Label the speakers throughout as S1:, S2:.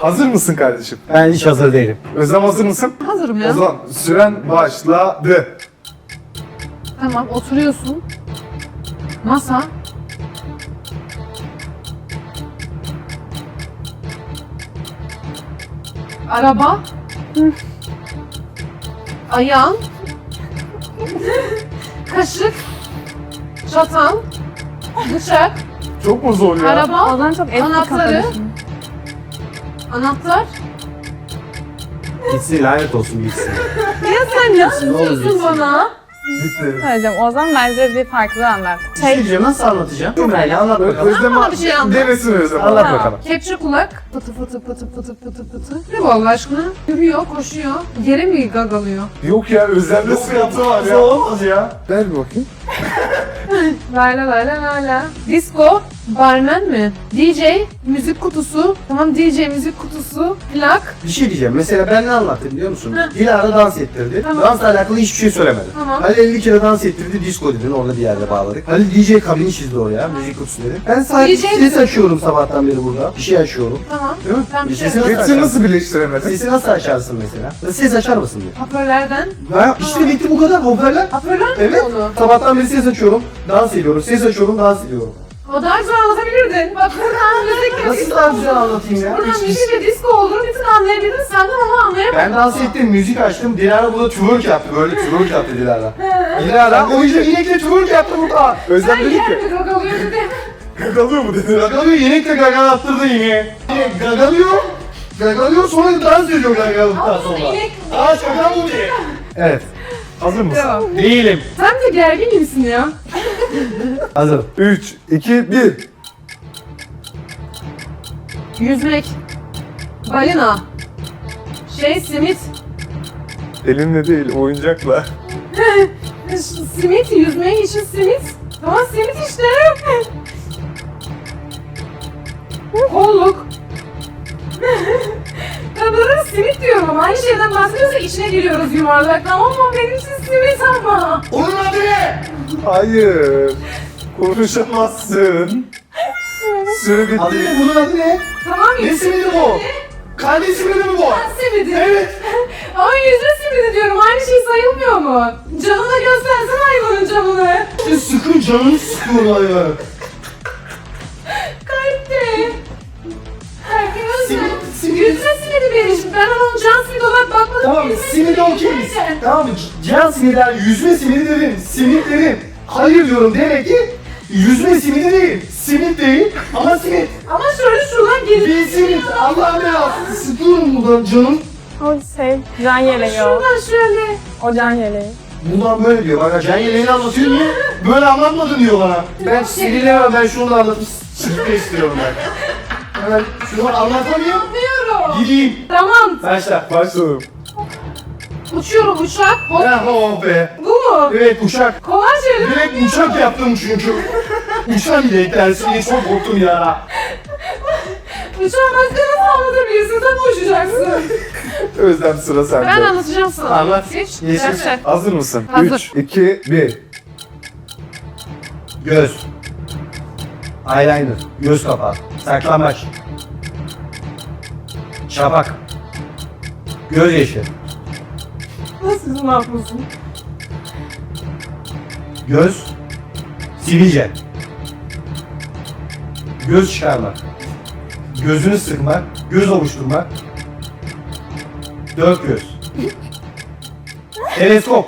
S1: Hazır mısın kardeşim?
S2: Ben hiç hazır değilim.
S1: Özlem hazır mısın?
S3: Hazırım ya.
S1: O zaman süren başladı.
S3: Tamam, oturuyorsun. Masa. Araba. Ayağın. Kaşık. Çatal. Bıçak.
S1: Çok mu zor ya?
S3: Araba.
S4: Ozan çok eski
S3: Anahtarı.
S4: kafalı.
S3: Anahtar.
S2: Gitsin, lanet olsun gitsin.
S3: Ya sen ne yapıyorsun bana?
S1: Bitti.
S4: Söyleyeceğim. Ozan bence bir farklı anlat.
S2: Şey diyeceğim, nasıl anlatacağım? Cümleyle anlat bakalım.
S1: Özlem
S3: Bana bir şey anlat.
S1: denesin Özlem.
S2: Anlat
S3: Tamam.
S2: bakalım.
S3: Kepçe kulak. Pıtı pıtı pıtı pıtı pıtı pıtı. Ne bu Allah aşkına? Yürüyor, koşuyor. Yere mi gagalıyor?
S1: Yok ya Özlem'de sıkıntı var ya.
S2: Olmaz ya.
S1: Ver bir bakayım.
S3: La la la la la la. Disco, barman mi? DJ, müzik kutusu. Tamam DJ müzik kutusu. Plak.
S2: Bir şey diyeceğim. Mesela ben ne anlattım biliyor musun?
S3: Heh.
S2: Dilara dans ettirdi.
S3: Tamam.
S2: Dansla alakalı hiçbir şey söylemedi.
S3: Tamam.
S2: Halil 50 kere dans ettirdi, disco dedin, orada bir yerde bağladık. Halil DJ kabini çizdi oraya, müzik kutusu dedi. Ben sadece
S3: DJ
S2: ses açıyorum sabahtan beri burada. Bir şey açıyorum.
S3: Tamam.
S2: Değil mi?
S3: Tamam, bir şey
S2: Sesi nasıl
S1: Hepsini
S2: açarsın?
S1: nasıl birleştiremedin?
S2: Sesi nasıl açarsın mesela? Ses açar mısın diye.
S3: Hoparlörlerden.
S2: Ya işte bitti bu kadar, hoparlör.
S3: Hoparlör mü
S2: Evet.
S3: onu?
S2: Sabahtan beri ses açıyorum, dans ediyorum. Ses açıyorum, dans ediyorum.
S3: O daha güzel anlatabilirdin. Bak buradan müzik
S2: Nasıl daha güzel anlatayım ya?
S3: Buradan
S2: Hiç-
S3: müzik ve disco olduğunu bir tık anlayabilirdin. Senden onu anlayamadın.
S2: Ben dans ettim, müzik açtım. Dilara burada twerk yaptı. Böyle twerk yaptı Dilara. Dilara o yüzden inekle twerk yaptı burada.
S1: Özlem
S3: Sen
S1: dedi
S3: yer
S1: ki,
S3: mi gagalıyor dedi.
S1: gagalıyor mu dedi.
S2: Gagalıyor, inekle gagal attırdı yine. Gagalıyor. Gagalıyor sonra dans ediyor gagalıktan sonra.
S3: inek-
S2: Aa şaka bu diye. Evet.
S1: Hazır mısın?
S3: Devam.
S2: Değilim.
S3: Sen de gergin misin ya?
S2: Hazırım.
S1: 3, 2, 1.
S3: Yüzmek. Balina. Simit.
S1: Elinle değil, oyuncakla.
S3: Simit, yüzmek için simit. Tamam simit işte. Kolluk. Ya bunlara simit diyorum ama aynı şeyden bahsediyorsak içine giriyoruz yuvarlak. Tamam mı? Benim için simit ama.
S2: Onun adı ne?
S1: Hayır. Konuşamazsın. Süre
S2: Adı
S1: bitti.
S2: ne? Bunun adı ne?
S3: Tamam
S2: Ne
S3: yüzme
S2: simidi bu? Kardeş simidi mi bu?
S3: simidi.
S2: Evet.
S3: Ama yüzme simidi diyorum. Aynı şey sayılmıyor mu? Canına göstersen hayvanın canını.
S2: Sıkın canını sıkıyor hayvan.
S3: Kalpte. Herkes
S2: Simit.
S3: yüzme simidi benim. Ben onun can simidi olarak bakmadım.
S2: Tamam
S3: Yüzme
S2: simidi okeyiz.
S3: nerede?
S2: Tamam can simiden yüzme simidi dedim. Simit dedim. Hayır diyorum demek ki yüzme simidi değil. Simit değil ama simit.
S3: Ama şöyle şuradan gelip
S2: Bir simit. Allah'ım ya. Sıkıyorum buradan canım.
S4: O şey, can yeleği o.
S3: şuradan şöyle.
S4: O can yeleği.
S2: Bundan böyle diyor. Bak can yeleğini anlatıyor niye? Böyle anlatmadın diyor bana. Ben sinirlemem ben şunu da anlatıp çıkmak istiyorum ben. Hemen şunu anlatamıyorum.
S3: Anlıyorum.
S2: Gideyim.
S3: Tamam.
S2: Başla.
S1: Başladım.
S3: Uçuyorum uçak. Hop.
S2: Ha oh be.
S3: Bu mu?
S2: Evet uçak.
S3: Kolay şeyler.
S2: Direkt uçak yaptım çünkü. Uçan bile eklersin diye çok korktum ya.
S3: Uçağı başka nasıl anlatabilirsin? Sen uçacaksın.
S1: Özlem sıra sende.
S3: Ben anlatacağım sana.
S2: Anlat.
S3: Geç.
S2: Yeşil.
S3: Başla.
S1: Hazır mısın?
S3: Hazır.
S1: 3, 2, 1.
S2: Göz. Eyeliner. Göz kapağı. Saklambaç. Şapak. Göz yaşı.
S3: Nasıl ne yapıyorsun?
S2: Göz. Sivilce. Göz çıkarmak. Gözünü sıkmak. Göz ovuşturmak. Dört göz. Teleskop.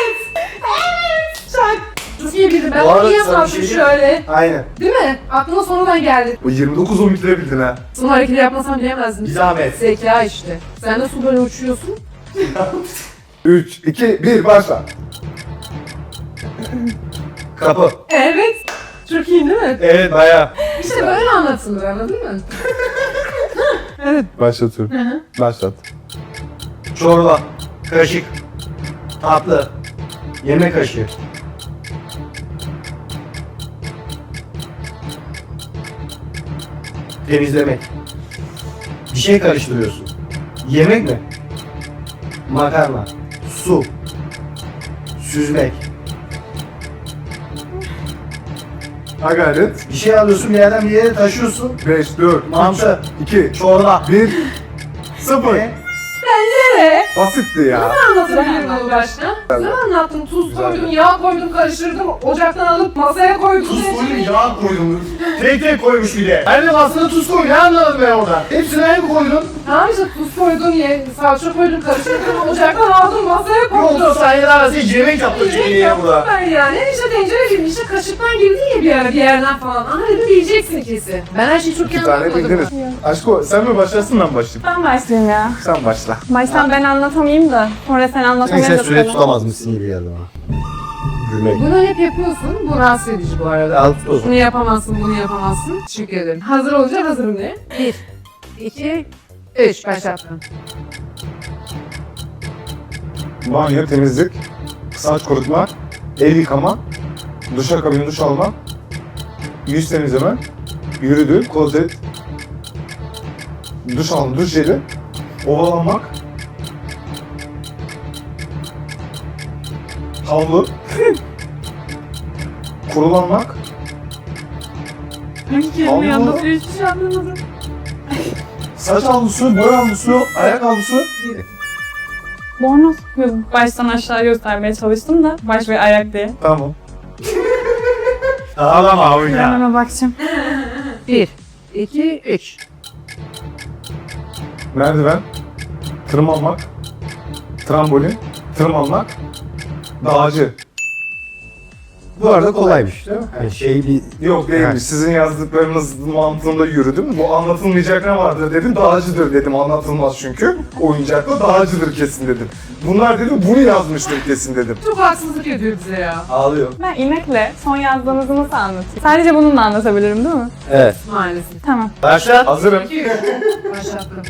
S3: Çak. Çok iyi bildin. Ben
S2: Bu
S3: onu
S2: arada
S3: iyi
S2: sana bir
S3: yapmadım
S2: şey diyeyim mi?
S3: şöyle.
S2: Aynen.
S3: Değil mi? Aklıma sonradan geldi.
S1: Bu 29 12'de bildin ha.
S3: Son hareketi yapmasam bilemezdin.
S2: Bir zahmet.
S3: Zeka işte. Sen de su böyle uçuyorsun.
S1: 3, 2, 1 başla.
S2: Kapı.
S3: Evet. Çok iyi değil mi?
S2: Evet bayağı.
S3: İşte böyle anlatılır anladın mı?
S1: Başlatıyorum.
S3: Hı hı.
S1: Başlat.
S2: Çorba. Kaşık. Tatlı. Yemek kaşığı. Temizlemek. Bir şey karıştırıyorsun. Yemek mi? Makarna. Su. Süzmek.
S1: Ha gayret.
S2: Bir şey alıyorsun bir yerden bir yere taşıyorsun.
S1: 5, 4,
S2: Mantı.
S1: 2,
S2: Çorba.
S1: 1. 0.
S3: Evet.
S1: Basitti ya.
S3: Anlatabilirim bunu başta. Güzel anlattım. Tuz koydum, yağ koydum, karıştırdım. Ocaktan alıp masaya koydum.
S2: Tuz koydum, yağ koydum. Tek koymuş bir de. Ben de aslında tuz koydum. Ne anladım ben orada? Hepsini ben mi koydum?
S3: Tamam işte tuz koydum, salça koydum, karıştırdım. Ocaktan aldım, masaya
S2: Bir 30
S3: koydum.
S2: saniye arası hiç yemek yaptık Cemil'e burada.
S3: Ben yani işte tencere gibi işte kaşıktan girdi ya bir ara bir yerden falan. Aha dedim bileceksin kesin. Ben her şeyi çok iyi
S1: 2 tane
S3: anlatmadım.
S1: bildiniz. Aşko sen mi başlasın ben başlayayım?
S4: Ben başlayayım ya.
S1: Sen başla.
S4: Baştan ben anlatamayayım da sonra sen anlatamayınca
S5: Sen süre tutamaz mısın gibi geldi bana. Gülmek.
S3: Bunu hep yapıyorsun. Bu rahatsız edici bu arada.
S5: Al tut o zaman.
S3: Bunu yapamazsın, bunu yapamazsın. Teşekkür ederim. Hazır olacak, hazırım de. 1, 2, 3. Başlattım.
S1: Banyo, temizlik, saç kurutma, el yıkama, duşakabin duş alma, yüz temizleme, yürüdü, klozet, duş alma, duş jeli, ovalanmak, havlu, kurulanmak,
S3: Hangi kelimeyi anlatıyor hiçbir şey anlamadım.
S1: saç havlusu, boy havlusu, ayak havlusu.
S4: Bornoz. Baştan aşağı göstermeye çalıştım da baş ve ayak diye.
S1: Tamam.
S2: Ağlama
S4: Ben
S2: oyna.
S4: hemen bakacağım.
S3: 1, 2, 3.
S1: Merdiven, tırmanmak, trambolin, tırmanmak, dağcı.
S5: Bu arada kolaymış değil mi? Yani şey bir...
S1: Yok değilmiş. Sizin yazdıklarınız mantığında yürüdüm. Bu anlatılmayacak ne vardır dedim. Dağcıdır dedim. Anlatılmaz çünkü. Oyuncakla dağcıdır kesin dedim. Bunlar dedim bunu yazmıştır kesin dedim.
S3: Çok haksızlık ediyor bize ya.
S5: Ağlıyor.
S4: Ben inekle son yazdığınızı nasıl anlatayım? Sadece bununla anlatabilirim değil mi?
S5: Evet.
S3: Maalesef.
S4: Tamam.
S5: Başlat.
S1: Hazırım.
S3: 2, 3. Başlattım.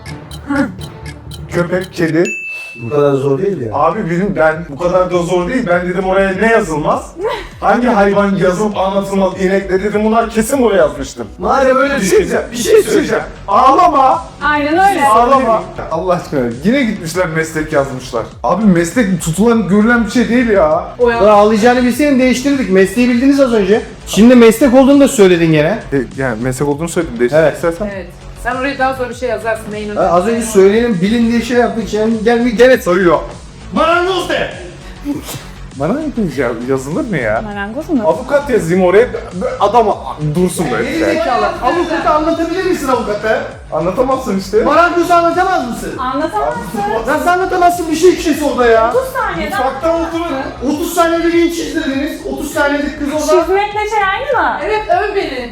S1: Köpek, kedi.
S5: Bu kadar zor değil ya.
S1: Abi ben bu kadar da zor değil. Ben dedim oraya ne yazılmaz? Hangi hayvan yazılıp anlatılmaz inekle dedim bunlar kesin oraya yazmıştım.
S5: Madem öyle
S1: Bir şey söyleyeceğim. Ağlama.
S4: Aynen öyle.
S1: Ağlama. Allah aşkına yine gitmişler meslek yazmışlar. Abi meslek tutulan görülen bir şey değil ya.
S3: O ya.
S5: ağlayacağını bilseydin değiştirdik. Mesleği bildiniz az önce. Şimdi meslek olduğunu da söyledin gene.
S1: Yani meslek olduğunu söyledim. Değiştirmek
S5: Evet.
S1: istersen.
S3: Evet. Sen oraya daha sonra bir şey yazarsın. Neyin
S5: Ha, az önce söyleyelim bilin diye şey yaptık. Şimdi gene
S1: Soruyor.
S2: Marangoz de.
S1: Bana ne diyeceğim? Yazılır mı ya?
S4: Marangoz mu?
S1: Avukat yazayım oraya, adam dursun böyle.
S2: Geri zekalı. Avukatı anlatabilir misin avukatı?
S1: Anlatamazsın işte.
S2: Marangozu anlatamaz mısın?
S4: Anlatamazsın.
S2: Nasıl anlatamazsın bir şey kişisi orada ya?
S4: 30 saniyede
S1: Mutfakta olduğunu
S2: 30 saniyede beni çizdirdiniz. 30 saniyede kız orada.
S4: çizmekle şey aynı mı?
S3: Evet öv beni.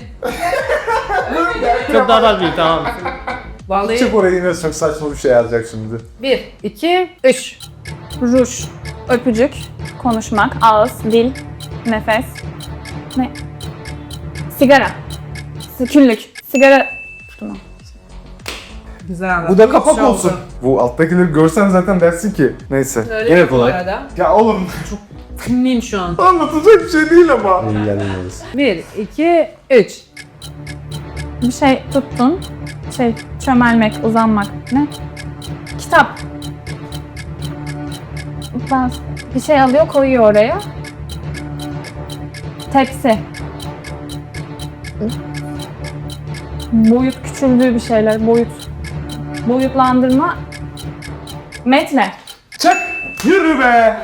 S2: Çok daha var tamam.
S3: Vallahi.
S1: çık oraya yine çok saçma bir şey yazacak şimdi.
S3: 1, 2, 3.
S4: Ruj, öpücük, konuşmak, ağız, dil, nefes, ne? Sigara, küllük, sigara tutma.
S3: Güzel anlattın.
S1: Bu da kapak olsun. Bu alttakileri görsen zaten dersin ki. Neyse.
S3: Öyle
S5: Yine
S3: mi bu
S5: kolay.
S3: arada?
S1: Ya oğlum
S3: Kimliyim şu an?
S1: anlatacak bir şey değil ama.
S5: İlgilenmiyoruz.
S3: 1, 2, 3.
S4: Bir şey tuttun, çömelmek, uzanmak, ne? Kitap. Ben bir şey alıyor, koyuyor oraya. Tepsi. Boyut küçüldüğü bir şeyler, boyutlandırma. Metre.
S1: Çak! Yürü be!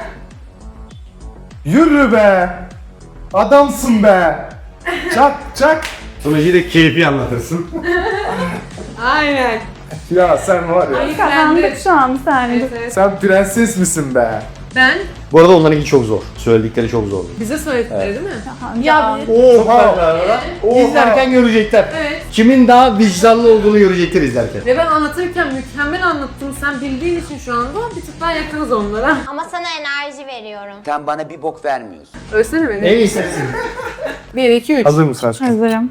S1: Yürü be! Adamsın be! Çak çak!
S5: Sonucu da keyfi anlatırsın.
S3: Aynen.
S1: Ya sen var ya.
S4: Kazandık şu an bir saniye.
S3: Evet, evet.
S1: Sen prenses misin be?
S3: Ben
S5: Bu arada onlarınki çok zor. Söyledikleri çok zor.
S3: bize söyledikleri değil mi?
S4: Ya
S1: Oha!
S5: İzlerken görecekler.
S3: Evet.
S5: Kimin daha vicdanlı olduğunu görecekler izlerken.
S3: Ve ben anlatırken mükemmel anlattım. Sen bildiğin için şu anda bir tık daha yakınız onlara.
S6: Ama sana enerji veriyorum.
S7: Sen bana bir bok vermiyorsun.
S3: Ölsene beni.
S5: En istersin.
S3: 1, 2, 3.
S1: Hazır mısın aşkım?
S4: hazırım.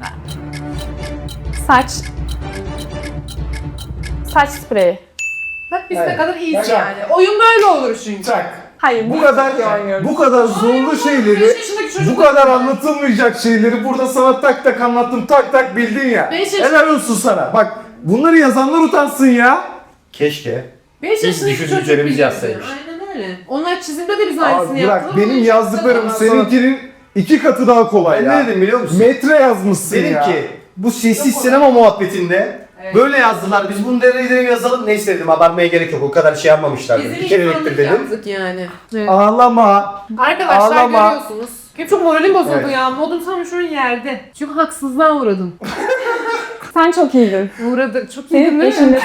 S4: Saç spreyi.
S3: Bak biz ne kadar iyiyiz yani. Oyun böyle olur çünkü.
S1: Çak!
S4: Hayır,
S1: Bu kadar zorlu şeyleri,
S3: 5 yaşındaki çocuk.
S1: bu kadar anlatılmayacak şeyleri burada sana tak tak anlattım, tak tak bildin ya.
S3: 5 yaş-
S1: Helal olsun sana. Bak bunları yazanlar utansın ya.
S5: Keşke.
S3: 5 yaşındaki çocuk
S5: düşündüklerimiz
S3: biliyordu.
S5: yazsaymış.
S3: Aynen öyle. Onlar çizimde de biz aynısını
S1: Abi
S3: yaptık.
S1: bırak
S3: ama
S1: benim
S3: beş
S1: yazdıklarım
S3: yaşında da-
S1: seninkinin 2 katı daha kolay
S5: Ben
S1: ya.
S5: ne dedim biliyor musun?
S1: Metre yazmışsın
S5: Dedim
S1: ya.
S5: ki bu sessiz sinema muhabbetinde
S3: Evet.
S2: Böyle yazdılar. Biz bunu direkt yazalım. Neyse dedim abartmaya gerek yok. O kadar şey yapmamışlar.
S3: Bizim
S2: Bir kereliktir
S3: insanlık
S2: dedim.
S3: yaptık yani. Evet.
S2: Ağlama.
S3: Arkadaşlar
S2: Ağlama.
S3: görüyorsunuz. Çok moralim bozuldu
S2: Evet.
S3: ya. Modum tam şu an yerde. Çünkü haksızlığa uğradım.
S4: Sen çok iyiydin.
S3: Uğradık. Çok iyi
S4: Senin
S3: değil mi?
S4: peşinde.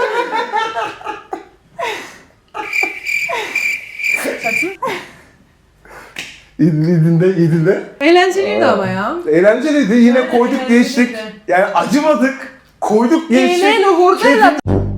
S1: İdinde.
S3: Eğlenceliydi ama ya.
S1: Eğlenceliydi. Yine koyduk
S3: Eğlenceliydi.
S1: geçtik. Yani acımadık. Koyduk geçtik.
S3: Eğlen o hurdayla.